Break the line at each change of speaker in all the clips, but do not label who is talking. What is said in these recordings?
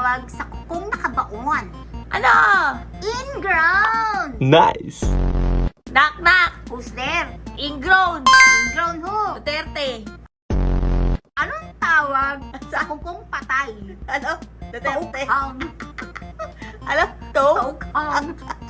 tawag sa kukong nakabaon?
Ano?
Ingrown!
Nice!
Knock knock!
Who's there?
Ingrown!
Ingrown who?
Duterte!
Anong tawag sa kukong patay?
Ano? Duterte!
Tokhang.
Ano? To?
Tokhang.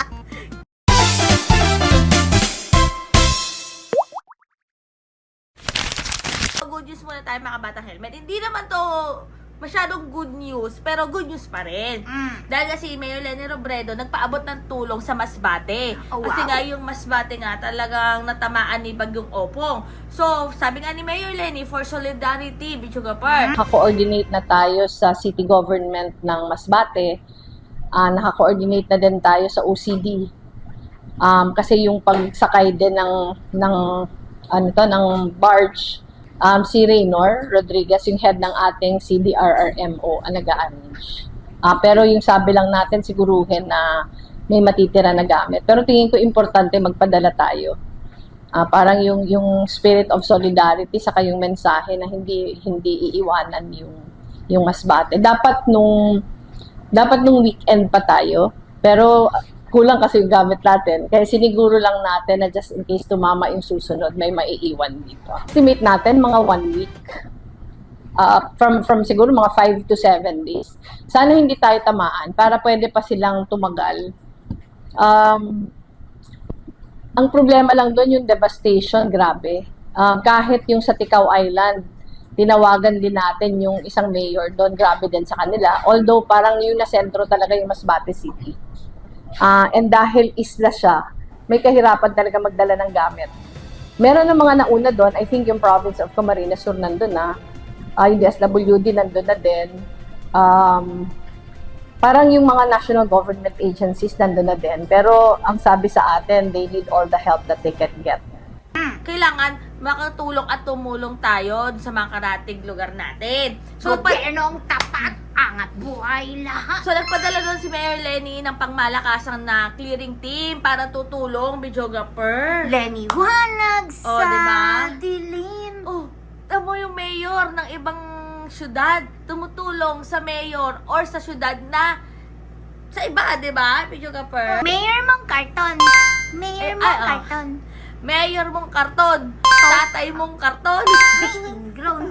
Good news muna tayo mga Batang Helmet. Hindi naman to masyadong good news, pero good news pa rin. Dahil kasi Mayor Leni Robredo nagpaabot ng tulong sa Masbate.
Oh, wow.
Kasi nga yung Masbate nga talagang natamaan ni Bagyong Opong. So, sabi nga ni Mayor Leni, for solidarity, Bichugapar.
Naka-coordinate na tayo sa city government ng Masbate. Naka-coordinate na din tayo sa OCD. Kasi yung pagsakay din ng barge, si Raynor Rodriguez, yung head ng ating CDRRMO, ang nag-arrange. Pero yung sabi lang natin, siguruhin na may matitira na gamit. Pero tingin ko importante magpadala tayo. Parang yung spirit of solidarity saka yung mensahe na hindi iiwanan yung Masbate. Dapat nung weekend pa tayo, pero kulang kasi yung gamit natin. Kaya siniguro lang natin na just in case tumama yung susunod, may maiiwan dito. Estimate natin mga 1 week. From siguro mga 5 to 7 days. Sana hindi tayo tamaan para pwede pa silang tumagal. Ang problema lang doon yung devastation, grabe. Kahit yung sa Ticao Island, tinawagan din natin yung isang mayor doon, grabe din sa kanila. Although parang yung na sentro talaga yung Masbate City. And dahil isla siya, may kahirapan talaga magdala ng gamit. Meron ng mga nauna doon, I think yung province of Camarines Sur nandun na, yung DSWD nandun na din, parang yung mga national government agencies nandun na din. Pero ang sabi sa atin, they need all the help that they can get.
Kailangan makatulong at tumulong tayo sa mga karatig lugar natin. So,
Gobyernong tapat, angat buhay lahat.
So, nagpadala doon si Mayor Leni ng pangmalakasang na clearing team para tutulong, videographer.
Leniwanag
Oh,
sa
diba?
dilim.
Oh, tamo yung mayor ng ibang syudad tumutulong sa mayor or sa syudad na sa iba, di ba? Videographer.
Mayor mong karton. Mayor
Eh,
mong
ay, oh.
karton.
Mayor mong karton. Tatay mong karton.
Ingrown.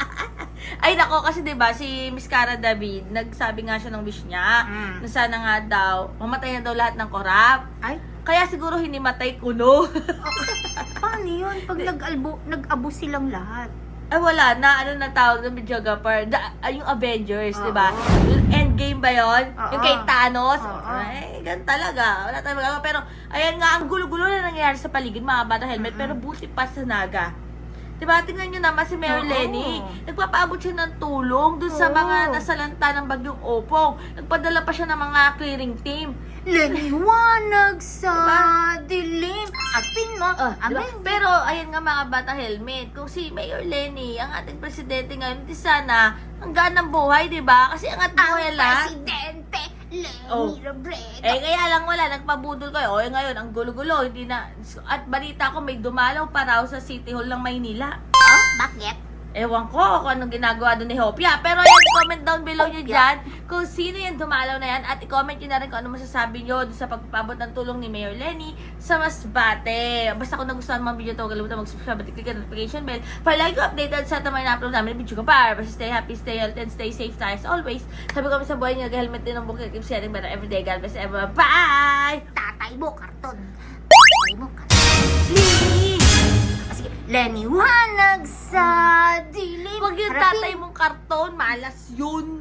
Ay nako, kasi 'di ba si Miss Cara David, nagsabi nga siya ng wish niya na sana nga daw mamatay na daw lahat ng korap.
Ay,
Kaya siguro hinimatay kuno.
paano yun? Pag nag-abo silang lahat.
Ay wala na, ano na tawag ng videographer? Yung Avengers,
Oo.
'di ba? Endgame ba 'yon?
Oo.
Yung kay Thanos.
Oo.
Ay, ganun talaga. Wala tayong magagawa. Pero ayan nga, ang gulo-gulo na nangyayari sa paligid, mga bata helmet, pero buti pa sa Naga. Diba, tingnan nyo naman si Mayor
Oo.
Leni. Nagpapaabot siya ng tulong dun sa
Oo.
mga nasalanta ng Bagyong Opong. Nagpadala pa siya ng mga clearing team.
Leniwanag sa
Diba?
dilim. Apin mo.
Diba?
Amin.
Pero, ayan nga mga bata helmet, kung si Mayor Leni, ang ating presidente ngayon, di sana, hanggaan ng buhay, diba? Kasi angat
Ang
buhay lang.
presidente, Leni
Oh.
Robredo.
Kaya lang wala, nagpabudol kayo. O, ngayon, ang gulo-gulo, hindi na, at balita ko, may dumalaw pa raw sa City Hall ng Maynila.
Oh, bakit?
Ewan ko kung anong ginagawa doon ni Hopia. Pero yan, comment down below nyo dyan kung sino yung dumalaw na yan. At i-comment nyo na rin kung ano masasabi nyo sa pagpapabot ng tulong ni Mayor Leni sa Masbate. Basta kung nagustuhan mo ang video ito, huwag kalimutan mag-subscribe at click ang notification bell para lagi ko updated sa tamay na upload namin ng video ko para. Basta stay happy, stay healthy, and stay safe tayo as always. Sabi ko sa buhay nyo, nag-helmet din ng bukit. Keep sharing better everyday. God bless everyone. Bye!
Tatay mo, karton. Tatay mo, karton.
Leni!
Sige, leniwanag sa dilim.
Huwag yung
Harapin.
tatay mong karton. Malas yun.